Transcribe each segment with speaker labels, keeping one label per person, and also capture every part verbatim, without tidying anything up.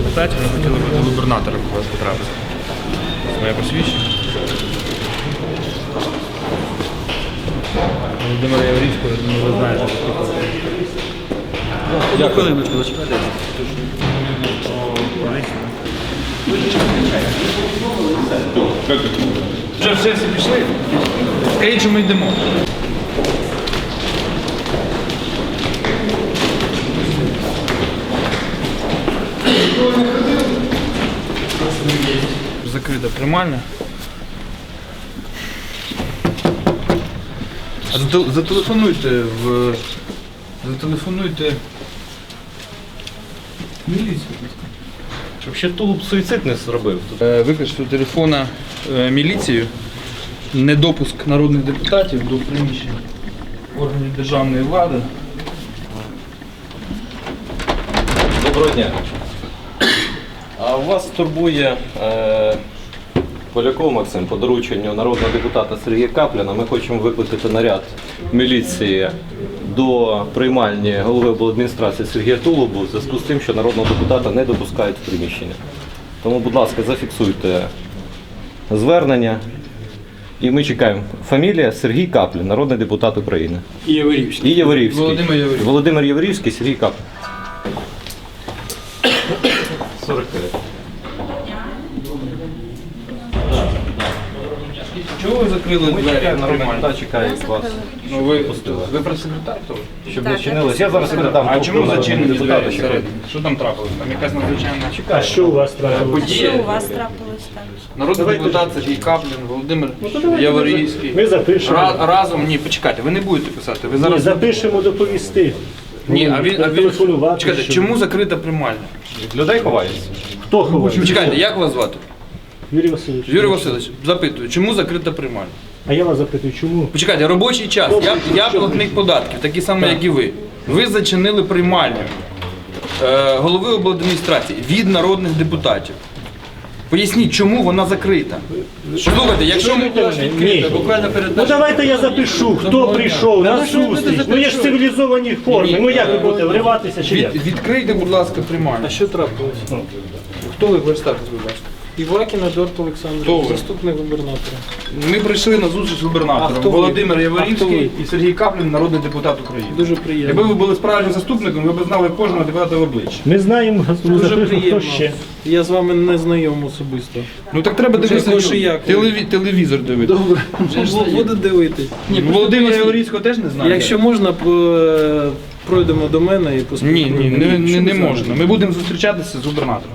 Speaker 1: депутатів, ми хотіли б до губернатора у вас потрапити. Моє посвідчення. Володимира Яворівського, я думаю, ви знаєте.
Speaker 2: Одну хвилиночку, зачекайте.
Speaker 1: Вже все всі пішли? Скажіть, що ми йдемо. Закрита приймальня. А зате- зателефонуйте в... Зателефонуйте в міліцію.
Speaker 2: Щоб ще тулуб суїцид не зробив.
Speaker 1: Е, Викличте до телефона е, міліцію. Недопуск народних депутатів до приміщень органів державної влади.
Speaker 2: Доброго дня. А вас турбує е, Поляков Максим по дорученню народного депутата Сергія Капліна. Ми хочемо викликати наряд міліції до приймальні голови обладміністрації Сергія Тулубу в зв'язку з тим, що народного депутата не допускають в приміщення. Тому, будь ласка, зафіксуйте звернення. І ми чекаємо. Фамілія Сергій Каплін, народний депутат України.
Speaker 3: І Яворівський.
Speaker 2: І Яворівський.
Speaker 1: Володимир Яворівський.
Speaker 2: Володимир Яворівський, Сергій Каплін. сорок п'ять.
Speaker 1: Чого ви закрили
Speaker 2: Ми
Speaker 1: двері
Speaker 2: чекаємо,
Speaker 1: на
Speaker 2: народний
Speaker 1: приймальню?
Speaker 2: депутат чекає вас.
Speaker 1: Ну ви, ви прес-секретар того?
Speaker 2: Щоб не чинилось. Я зараз передам.
Speaker 1: А чому
Speaker 2: трубку
Speaker 1: зачинені
Speaker 2: депутата,
Speaker 1: двері
Speaker 2: що
Speaker 1: всередині? Що там трапилось? Там якась надзвичайна
Speaker 4: А що у вас трапилось?
Speaker 1: подія?
Speaker 5: Що у вас трапилось там?
Speaker 1: Народний депутат Сергій Каплін, Володимир
Speaker 4: давайте
Speaker 1: Яворівський.
Speaker 4: ми запишемо.
Speaker 1: Ра- разом, ні, почекайте, ви не будете писати. Ви
Speaker 4: Ні,
Speaker 1: зараз...
Speaker 4: запишемо доповісти.
Speaker 1: Ні, а він, а він...
Speaker 4: Телефонувати,
Speaker 1: Чекайте,
Speaker 4: що-
Speaker 1: чому закрита приймальня?
Speaker 2: Людей ховається.
Speaker 4: Хто ховає?
Speaker 1: Чекайте, як вас звати?
Speaker 4: Юрій Васильович.
Speaker 1: Юрій Васильович, запитую, чому закрита приймальня?
Speaker 4: А я вас запитую, чому?
Speaker 1: Почекайте, робочий час. Я, я платник податків, такий самий, як і ви. Ви зачинили приймальню е, голови обладміністрації від народних депутатів. Поясніть, чому вона закрита? Слухайте, якщо ми...
Speaker 4: Ні.
Speaker 3: Буквально перед
Speaker 4: Ну давайте я запишу, хто прийшов на зустріч. Ну є ж цивілізовані форми. Ну як ви будете вриватися чи як?
Speaker 1: Від, відкрийте, будь ласка, приймальню.
Speaker 3: А що трапилось?
Speaker 1: Хто ви представтесь, будь ласка?
Speaker 3: Івакін Едуард
Speaker 1: Хто
Speaker 3: Олександрович,
Speaker 1: ви?
Speaker 3: заступник губернатора.
Speaker 1: Ми прийшли на зустріч з
Speaker 3: А
Speaker 1: губернатором.
Speaker 3: хто ви?
Speaker 1: Володимир
Speaker 3: А хто
Speaker 1: Яворівський
Speaker 3: ви?
Speaker 1: і Сергій Каплін, народний депутат України.
Speaker 3: Дуже приємно.
Speaker 1: Якби ви були справжнім заступником, ви б знали кожного депутата в обличчя.
Speaker 4: Ми знаємо,
Speaker 3: Дуже
Speaker 4: запишемо, хто
Speaker 3: приємно.
Speaker 4: ще.
Speaker 3: Я з вами не знайом особисто.
Speaker 1: Ну так треба
Speaker 3: Вже
Speaker 1: дивитися
Speaker 3: хоч і як.
Speaker 1: телеві- телевізор дивитися.
Speaker 3: Добре, буду дивитись. Ні,
Speaker 1: Ну, Володимира Яворівського теж не знаю.
Speaker 3: Якщо можна, по- пройдемо до мене і
Speaker 1: Ні,
Speaker 3: поспілкуємося.
Speaker 1: ні, не, не,
Speaker 3: Що
Speaker 1: не
Speaker 3: ви
Speaker 1: можна.
Speaker 3: знаєте?
Speaker 1: Ми будемо зустрічатися з губернатором.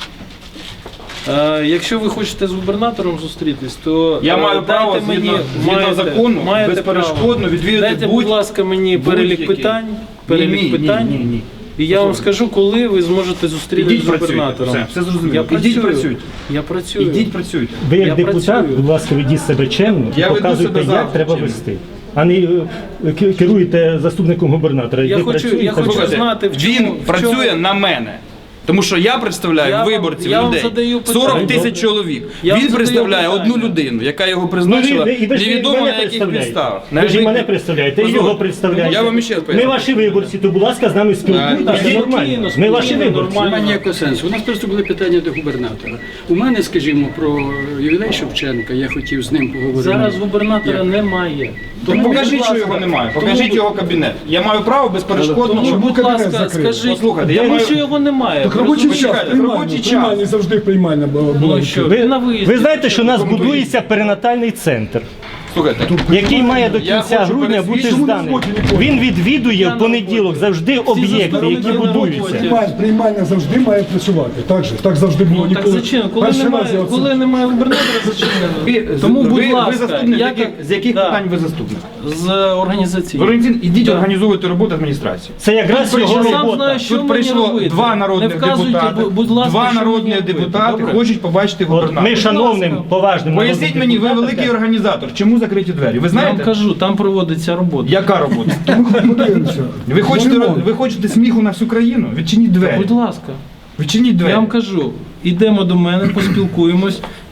Speaker 3: Е, Якщо ви хочете з губернатором зустрітись, то
Speaker 1: Я
Speaker 3: е,
Speaker 1: маю
Speaker 3: дайте
Speaker 1: право
Speaker 3: мені,
Speaker 1: згідно, згідно
Speaker 3: маєте-
Speaker 1: закону
Speaker 3: маєте
Speaker 1: безперешкодно
Speaker 3: право.
Speaker 1: відвідати
Speaker 3: Дайте, будь
Speaker 1: будь-
Speaker 3: ласка, мені перелік
Speaker 1: будь-який.
Speaker 3: питань,
Speaker 1: Ні,
Speaker 3: перелік
Speaker 1: ні,
Speaker 3: питань,
Speaker 1: ні, ні, ні.
Speaker 3: і я вам скажу, коли ви зможете зустрітися
Speaker 1: Ідіть
Speaker 3: з
Speaker 1: працюйте.
Speaker 3: губернатором.
Speaker 1: Все, все зрозуміло.
Speaker 3: Я
Speaker 1: Ідіть
Speaker 3: працюю.
Speaker 1: працюйте.
Speaker 3: Я працюю.
Speaker 1: Ідіть працюйте.
Speaker 4: Ви як
Speaker 3: Я
Speaker 4: депутат,
Speaker 3: працюю.
Speaker 4: будь ласка, ведіть себе чемно,
Speaker 1: Я веду
Speaker 4: показуйте,
Speaker 1: себе
Speaker 4: як
Speaker 1: завжди
Speaker 4: треба
Speaker 1: чемно.
Speaker 4: вести. А не е, ки- керуєте заступником губернатора.
Speaker 3: Я
Speaker 4: Ви
Speaker 3: хочу-
Speaker 4: працюєте,
Speaker 3: я хочу
Speaker 4: ви-
Speaker 1: Слухайте,
Speaker 3: знати, в чому-
Speaker 1: він
Speaker 3: в
Speaker 1: працює
Speaker 3: чому-
Speaker 1: на мене. Тому що я представляю
Speaker 3: Я вам-
Speaker 1: виборців
Speaker 3: я вам
Speaker 1: людей.
Speaker 3: задаю питання.
Speaker 1: сорок тисяч чоловік.
Speaker 3: Я вам
Speaker 1: Він
Speaker 3: задаю
Speaker 1: представляє
Speaker 3: питання.
Speaker 1: одну людину, яка його
Speaker 4: Ну,
Speaker 1: призначила,
Speaker 4: ви, і ви ж
Speaker 1: невідомо
Speaker 4: мене
Speaker 1: на яких
Speaker 4: представляєте.
Speaker 1: підставах.
Speaker 4: Ви ж і
Speaker 1: На
Speaker 4: мене
Speaker 1: яких-
Speaker 4: представляєте, і
Speaker 1: Позвольте.
Speaker 4: його представляєте.
Speaker 1: Я вам ще раз
Speaker 4: Ми
Speaker 1: поясню.
Speaker 4: ваші виборці, то, будь ласка, з нами спілкуйтеся
Speaker 1: Ідіть
Speaker 4: нормально.
Speaker 3: спокійно,
Speaker 4: Ми ваші
Speaker 3: спокійно,
Speaker 4: виборці.
Speaker 3: нормально.
Speaker 6: Немає ніякого сенсу. У нас просто були питання до губернатора. У мене, скажімо, про ювілей Шевченка, я хотів з ним поговорити.
Speaker 3: Зараз губернатора немає.
Speaker 1: Тому покажіть,
Speaker 3: будь
Speaker 1: що
Speaker 3: ласка,
Speaker 1: його немає.
Speaker 3: тому,
Speaker 1: Покажіть його кабінет. Я маю право безперешкодно.
Speaker 3: Тому,
Speaker 1: щоб-
Speaker 3: будь ласка, скажіть,
Speaker 1: Послухайте, я
Speaker 3: тому
Speaker 1: маю-
Speaker 3: що його немає.
Speaker 7: Так
Speaker 3: Ви
Speaker 7: робочий час,
Speaker 1: Почекайте,
Speaker 7: приймальня,
Speaker 1: робочий час.
Speaker 7: приймальня, завжди приймальня була. була
Speaker 3: Ну, що,
Speaker 7: відкрита.
Speaker 3: ви на виїзді.
Speaker 4: Ви знаєте, що у нас будується перинатальний центр,
Speaker 1: Слухайте,
Speaker 4: який має до
Speaker 1: Я
Speaker 4: кінця
Speaker 1: хочу
Speaker 4: грудня бути
Speaker 1: пересвідчити,
Speaker 4: зданий.
Speaker 7: чому не згодні?
Speaker 4: Він відвідує
Speaker 3: Я
Speaker 4: в
Speaker 3: на
Speaker 4: понеділок
Speaker 3: роботі.
Speaker 4: завжди об'єкти,
Speaker 3: заступники
Speaker 4: які
Speaker 3: на
Speaker 4: будуються.
Speaker 3: роботі.
Speaker 7: Приймаль- Приймальня завжди має працювати. Так же, так завжди було.
Speaker 3: Ну, так
Speaker 7: Ніколи.
Speaker 3: зачем? Коли
Speaker 7: Перший раз
Speaker 3: немає,
Speaker 7: я оце-
Speaker 3: коли немає губернатора, зачинено.
Speaker 1: ви,
Speaker 3: Тому,
Speaker 1: ви,
Speaker 3: будь
Speaker 1: ви
Speaker 3: ласка,
Speaker 1: заступник,
Speaker 3: я
Speaker 1: з яких,
Speaker 3: так-
Speaker 1: з яких
Speaker 3: да.
Speaker 1: питань ви заступник?
Speaker 3: З організації.
Speaker 1: Валентин, ідіть
Speaker 3: Да.
Speaker 1: організовуйте роботу адміністрації.
Speaker 4: Це якраз
Speaker 1: Тут
Speaker 4: його
Speaker 1: прийшли-
Speaker 3: Я сам
Speaker 4: робота.
Speaker 3: знаю, що
Speaker 1: Тут
Speaker 3: мені
Speaker 1: прийшло
Speaker 3: робити.
Speaker 1: два народних
Speaker 3: Не вказуйте,
Speaker 1: депутати.
Speaker 3: бу- будь ласка,
Speaker 1: Два
Speaker 3: що
Speaker 1: народних
Speaker 3: мені робити.
Speaker 1: депутати
Speaker 3: Добре?
Speaker 1: хочуть побачити
Speaker 4: От
Speaker 1: губернатора.
Speaker 4: ми шановним,
Speaker 3: ласка.
Speaker 4: поважним
Speaker 1: Поясніть
Speaker 4: народним
Speaker 1: мені, ви
Speaker 4: депутатам
Speaker 1: великий
Speaker 4: кажемо.
Speaker 1: організатор, чому закриті двері? Ви
Speaker 3: Я
Speaker 1: знаєте?
Speaker 3: вам кажу, там проводиться робота.
Speaker 1: Яка робота?
Speaker 7: Подивимося.
Speaker 1: Ви хочете,
Speaker 7: Ремонт.
Speaker 1: ви хочете сміху на всю країну? Відчиніть двері.
Speaker 3: Будь ласка.
Speaker 1: Відчиніть двері.
Speaker 3: Я вам кажу, ідемо до мене, поспілкуємось.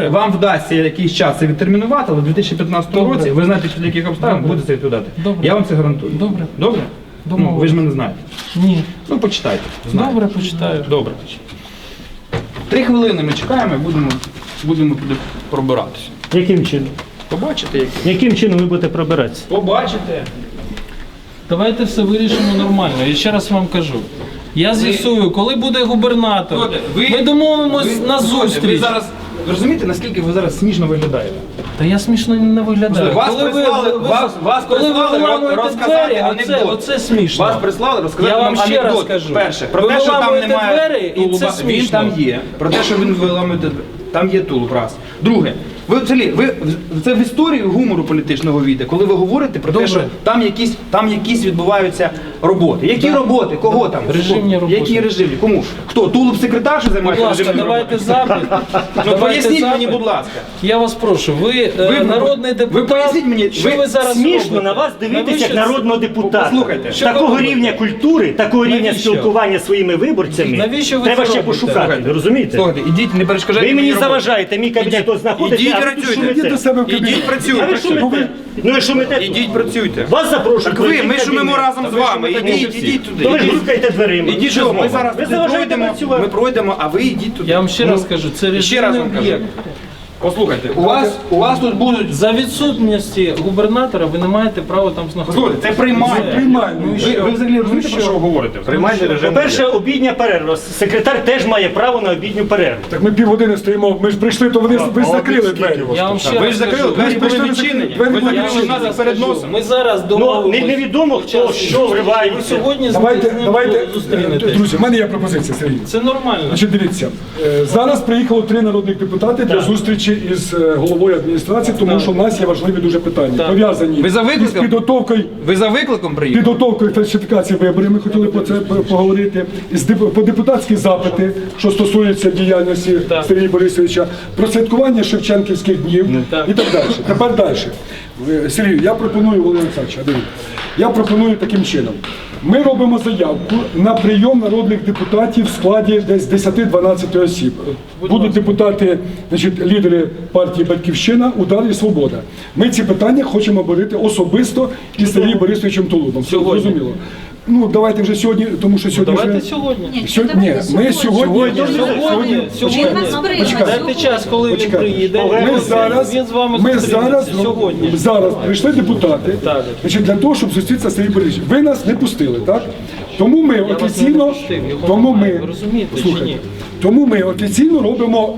Speaker 3: Добре.
Speaker 1: вам вдасться якийсь час це відтермінувати, але в дві тисячі п'ятнадцятому
Speaker 3: Добре.
Speaker 1: році ви знаєте, під яких обставин
Speaker 3: Добре.
Speaker 1: будете це відповідати.
Speaker 3: Добре.
Speaker 1: Я вам це гарантую.
Speaker 3: Добре.
Speaker 1: Добре? Ну, ви ж мене знаєте.
Speaker 3: Ні.
Speaker 1: Ну, почитайте. Знаєте.
Speaker 3: Добре, почитаю.
Speaker 1: Добре. Три хвилини ми чекаємо і будемо, будемо туди пробиратися.
Speaker 4: Яким чином?
Speaker 1: Побачите, як.
Speaker 4: Яким чином ви будете пробиратися?
Speaker 1: Побачите.
Speaker 3: Давайте все вирішимо нормально. Я ще раз вам кажу. Я з'ясую, коли буде губернатор.
Speaker 1: Слухайте, ви-
Speaker 3: Ми домовимось
Speaker 1: ви-
Speaker 3: на
Speaker 1: слухайте,
Speaker 3: зустріч.
Speaker 1: Ви зараз ви розумієте, наскільки ви зараз смішно виглядаєте?
Speaker 3: Та я смішно не виглядаю.
Speaker 1: Вас
Speaker 3: Коли ви-
Speaker 1: прислали-
Speaker 3: ви-
Speaker 1: вас- вас
Speaker 3: коли ви
Speaker 1: прислали
Speaker 3: виламуєте
Speaker 1: розказати
Speaker 3: двері, оце,
Speaker 1: анекдот.
Speaker 3: оце смішно.
Speaker 1: Вас прислали розказати
Speaker 3: Я вам
Speaker 1: вам
Speaker 3: ще раз
Speaker 1: анекдот.
Speaker 3: кажу.
Speaker 1: Перше, про
Speaker 3: Ви
Speaker 1: те, що там
Speaker 3: виламуєте
Speaker 1: немає
Speaker 3: двері, і
Speaker 1: тулуба,
Speaker 3: це
Speaker 1: він
Speaker 3: смішно.
Speaker 1: там є. Про те, що він виламуєте, там є тулуб, раз. Друге, ви взагалі, ви це в історію гумору політичного війде, коли ви говорите про
Speaker 3: Добре.
Speaker 1: те, що там якісь, там якісь відбуваються роботи. Які роботи? Кого там?
Speaker 3: Режимні роботи.
Speaker 1: Які режимні? Кому? Хто? Тулуб секретар, що
Speaker 3: Будь
Speaker 1: займається
Speaker 3: ласка,
Speaker 1: режимними
Speaker 3: давайте
Speaker 1: роботами?
Speaker 3: запит.
Speaker 1: Ну
Speaker 3: Давайте
Speaker 1: поясніть мені,
Speaker 3: запит.
Speaker 1: будь ласка.
Speaker 3: Я вас прошу, ви, е,
Speaker 1: Ви-
Speaker 3: народний
Speaker 1: ви
Speaker 3: депутат.
Speaker 1: поясніть мені,
Speaker 3: що
Speaker 1: ви
Speaker 3: ви зараз
Speaker 4: Смішно
Speaker 3: робите?
Speaker 4: на вас дивитися як
Speaker 3: Навіщо-
Speaker 4: народного депутата.
Speaker 1: Послухайте,
Speaker 3: що ви
Speaker 4: такого
Speaker 3: робите?
Speaker 4: рівня культури, такого рівня
Speaker 3: Навіщо?
Speaker 4: спілкування зі своїми виборцями
Speaker 3: Навіщо ви
Speaker 4: треба
Speaker 3: це
Speaker 4: ще
Speaker 3: робите?
Speaker 4: пошукати.
Speaker 1: Слухайте,
Speaker 4: Ви розумієте?
Speaker 1: Слухайте, ідіть, не перешкоджайте
Speaker 4: Ви мені
Speaker 1: роботі.
Speaker 4: заважаєте, мій кабінет тут знаходиться,
Speaker 1: Ідіть
Speaker 4: а ви тут
Speaker 1: працюйте.
Speaker 4: шумите.
Speaker 7: Ідіть до себе в кабінет.
Speaker 1: Ідіть
Speaker 4: А
Speaker 1: працюйте.
Speaker 4: ви шумите? Ну ви шумите тут.
Speaker 1: Ідіть працюйте.
Speaker 4: Вас запрошують.
Speaker 1: Так ви,
Speaker 4: пройдіть
Speaker 1: ми
Speaker 4: в
Speaker 1: шумимо
Speaker 4: кабінет.
Speaker 1: разом
Speaker 4: А
Speaker 1: з
Speaker 4: ви
Speaker 1: вами.
Speaker 4: шумите
Speaker 1: Ідіть,
Speaker 4: всі.
Speaker 1: ідіть туди.
Speaker 4: То ви ж
Speaker 1: Ідіть.
Speaker 4: рухаєте дверима.
Speaker 1: Ідіть, що ми зараз
Speaker 4: Ви
Speaker 1: туди
Speaker 4: заважаєте
Speaker 1: пройдемо,
Speaker 4: працювати.
Speaker 1: ми пройдемо, а ви йдіть туди.
Speaker 3: Я вам ще
Speaker 1: Ну,
Speaker 3: раз кажу, це
Speaker 1: і ще раз
Speaker 3: режимний
Speaker 1: вам кажу.
Speaker 3: об'єкт.
Speaker 1: Послухайте, у вас, у вас тут будуть...
Speaker 3: За відсутності губернатора ви не маєте права там знаходитися.
Speaker 1: Слухайте, це приймальня.
Speaker 7: Приймальня.
Speaker 1: Ви, ви взагалі розумієте, про що ви говорите?
Speaker 2: Приймальний режим.
Speaker 4: По-перше, обідня перерва. Секретар теж має право на обідню перерву.
Speaker 7: Так ми півгодини стоїмо, ми ж прийшли, то вони ви закрили двері.
Speaker 3: Я вам ще
Speaker 1: Ви
Speaker 3: раз
Speaker 1: ж закрили,
Speaker 3: кажу,
Speaker 1: двері були
Speaker 7: прийшли,
Speaker 1: відчинені.
Speaker 7: двері
Speaker 1: Ви
Speaker 7: були
Speaker 1: закрили
Speaker 7: відчинені.
Speaker 1: нас перед носом.
Speaker 3: Ми зараз
Speaker 4: Ну,
Speaker 3: домовимося.
Speaker 4: не- невідомо, хто
Speaker 3: Час
Speaker 4: що
Speaker 3: Ви
Speaker 4: вривається.
Speaker 3: сьогодні з
Speaker 7: Давайте,
Speaker 3: ним
Speaker 7: давайте,
Speaker 3: зустрінетесь.
Speaker 7: друзі, в мене є пропозиція, Сергій.
Speaker 3: Це нормально.
Speaker 7: Значить, дивіться, е, зараз приїхало три народних депутати для зустрічі із е, головою адміністрації, тому що в нас є важливі дуже питання,
Speaker 3: Так.
Speaker 7: пов'язані
Speaker 1: Ви за
Speaker 7: із
Speaker 1: викликом?
Speaker 7: підготовкою.
Speaker 1: Ви за викликом приїхали?
Speaker 7: Підготовкою фальсифікації виборів, ми хотіли про це п- поговорити. З деп- По депутатські запити, що стосуються діяльності
Speaker 3: Так.
Speaker 7: Сергія Борисовича, про святкування Шевченківських днів
Speaker 3: Так.
Speaker 7: і так далі. Тепер далі. Е, Сергій, я пропоную, Володимир Олександрович, дивіться, я пропоную таким чином. Ми робимо заявку на прийом народних депутатів в складі десь десять-дванадцять осіб. Будуть депутати, значить, лідери партії «Батьківщина», «Удар» і «Свобода». Ми ці питання хочемо обговорити особисто із Сергієм Борисовичем Тулубом.
Speaker 3: Сьогодні.
Speaker 7: Зрозуміло. Ну, давайте вже сьогодні, тому що сьогодні...
Speaker 3: Давайте
Speaker 7: вже-
Speaker 3: сьогодні.
Speaker 7: Сьо- Ні, ми сьогодні...
Speaker 3: Сьогодні, сьогодні,
Speaker 7: Почекайте,
Speaker 3: сьогодні. Дайте час, коли він
Speaker 7: почекайте.
Speaker 3: приїде.
Speaker 7: Ми зараз,
Speaker 3: Він з вами
Speaker 7: ми
Speaker 3: зустрінеться
Speaker 7: зараз,
Speaker 3: сьогодні.
Speaker 7: зараз прийшли депутати,
Speaker 3: Так.
Speaker 7: значить, для того, щоб зустрітися з Сергієм Борисовичем. Ви нас не пустили, так? Тому ми
Speaker 3: вас
Speaker 7: офіційно,
Speaker 3: не пустив, його
Speaker 7: тому
Speaker 3: немає,
Speaker 7: ми,
Speaker 3: ви розумієте чи
Speaker 7: слухайте,
Speaker 3: ні?
Speaker 7: тому ми офіційно робимо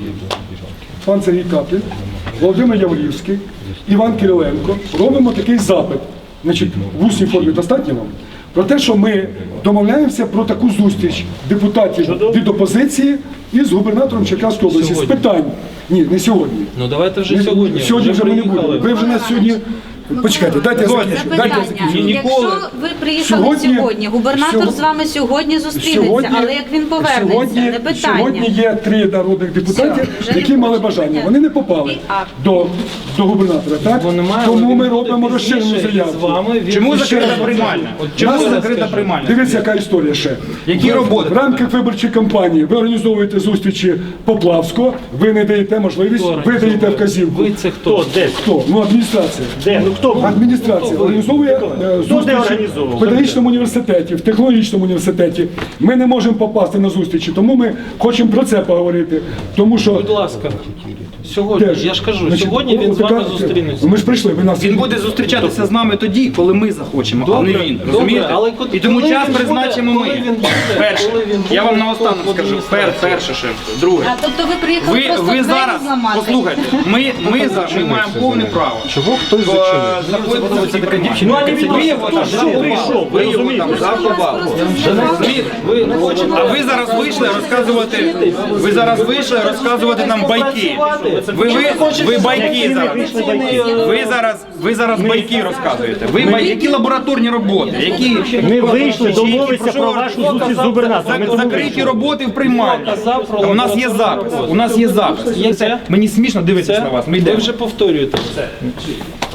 Speaker 7: пан Сергій Каплін, Володимир Яворівський, Іван Кириленко, робимо такий запит, значить, в усній формі достатньо вам, про те, що ми домовляємося про таку зустріч депутатів від опозиції із губернатором Черкаської області з
Speaker 3: Сьогодні.
Speaker 7: питань. Ні, не сьогодні.
Speaker 3: Ну давайте вже
Speaker 7: Ми-
Speaker 3: сьогодні.
Speaker 7: Сьогодні вже ми не
Speaker 3: приїхали.
Speaker 7: будемо. Ви вже нас сьогодні. Почекайте, дайте я закінчу. Дайте я
Speaker 5: Запитання.
Speaker 7: закінчу.
Speaker 1: Ніколи.
Speaker 5: Якщо ви приїхали
Speaker 7: Сьогодні-
Speaker 5: сьогодні, губернатор
Speaker 7: сьогодні-
Speaker 5: з вами сьогодні зустрінеться,
Speaker 7: Сьогодні-
Speaker 5: але як він повернеться,
Speaker 7: сьогодні,
Speaker 5: не питання.
Speaker 7: Сьогодні є три народних депутатів,
Speaker 5: Все, вже
Speaker 7: які
Speaker 5: не
Speaker 7: мали
Speaker 5: хочете
Speaker 7: бажання.
Speaker 5: мене.
Speaker 7: Вони не попали
Speaker 5: І акт.
Speaker 7: до, до губернатора. Так?
Speaker 3: Бо немає,
Speaker 7: Тому
Speaker 3: але
Speaker 7: ми
Speaker 3: він буде
Speaker 7: робимо
Speaker 3: пізніше
Speaker 7: розширену
Speaker 3: і
Speaker 7: заявку.
Speaker 3: з вами він-
Speaker 1: Чому
Speaker 7: І ще
Speaker 1: закрита
Speaker 7: раз.
Speaker 1: приймальня? От
Speaker 7: Нас-
Speaker 1: чому закрита приймальня?
Speaker 7: Дивіться, яка історія ще.
Speaker 1: Які
Speaker 7: В-
Speaker 1: роботи?
Speaker 7: В рамках виборчої кампанії ви організовуєте зустрічі Поплавського, ви не даєте можливість,
Speaker 3: Хто
Speaker 7: ви даєте
Speaker 3: організовує?
Speaker 7: вказівку.
Speaker 3: Ви це хто?
Speaker 4: Хто? Де?
Speaker 7: Хто? Ну, адміністрація.
Speaker 4: Де? Ну хто?
Speaker 7: Адміністрація організовує е,
Speaker 4: де
Speaker 7: зустрічі
Speaker 4: організовував?
Speaker 7: в педагогічному університеті, в технологічному університеті. Ми не можемо попасти на зустрічі, тому ми хочемо про це поговорити. Тому що
Speaker 3: Будь ласка. Сьогодні,
Speaker 7: теж,
Speaker 3: я ж кажу,
Speaker 7: значить,
Speaker 3: сьогодні він з
Speaker 7: отака-
Speaker 3: вами зустрінеться.
Speaker 7: Ми ж прийшли, ви нас
Speaker 1: Він буде зустрічатися з нами тоді, коли ми захочемо, а не
Speaker 3: Добре,
Speaker 1: він.
Speaker 3: добре,
Speaker 1: Розумієте?
Speaker 3: але ко-
Speaker 1: І тому
Speaker 3: коли
Speaker 1: час
Speaker 3: він буде-
Speaker 1: призначимо
Speaker 3: коли
Speaker 1: ми.
Speaker 3: він буде-
Speaker 1: Перше.
Speaker 3: коли він
Speaker 1: Я
Speaker 3: буде
Speaker 1: вам наостанок
Speaker 3: в
Speaker 1: скажу. Пер,
Speaker 3: адміністрації.
Speaker 1: перше ще. Друге.
Speaker 5: А, тобто ви приїхали
Speaker 1: Ви,
Speaker 5: просто
Speaker 1: ви
Speaker 5: двері
Speaker 1: зараз,
Speaker 5: зламати?
Speaker 1: послухайте, ми, ми, за, ми маємо повне право. Чого хтось зачинив? Знаходиться така дівчина.
Speaker 4: Ну, а не відомо,
Speaker 1: Ви його
Speaker 4: хто
Speaker 1: там
Speaker 4: що
Speaker 1: заховали.
Speaker 4: прийшов, ви
Speaker 1: Ви його
Speaker 4: розумієте?
Speaker 1: там
Speaker 5: Вас
Speaker 1: заховали.
Speaker 5: просто
Speaker 1: Розумієте? Ви хочете- А ви зараз вийшли розказувати, ви зараз вийшли розказувати нам байки. Ви, ви, ви байки зараз. Ви зараз, ви зараз байки розказуєте. Ви бай, які лабораторні роботи, які
Speaker 4: Ми вийшли
Speaker 1: Які-
Speaker 4: домовитися
Speaker 1: про що
Speaker 4: про
Speaker 1: ви-
Speaker 4: вашу зустріч з губернатором. Ми
Speaker 1: Зак-
Speaker 4: тому
Speaker 1: закриті
Speaker 4: вийшли.
Speaker 1: роботи в приймальні.
Speaker 3: Казав про
Speaker 1: А у нас є запис. У нас є запис.
Speaker 3: Є це?
Speaker 1: Мені смішно дивитися
Speaker 3: Це?
Speaker 1: на вас. Ми
Speaker 3: Ви
Speaker 1: йдемо.
Speaker 3: вже повторюєте це.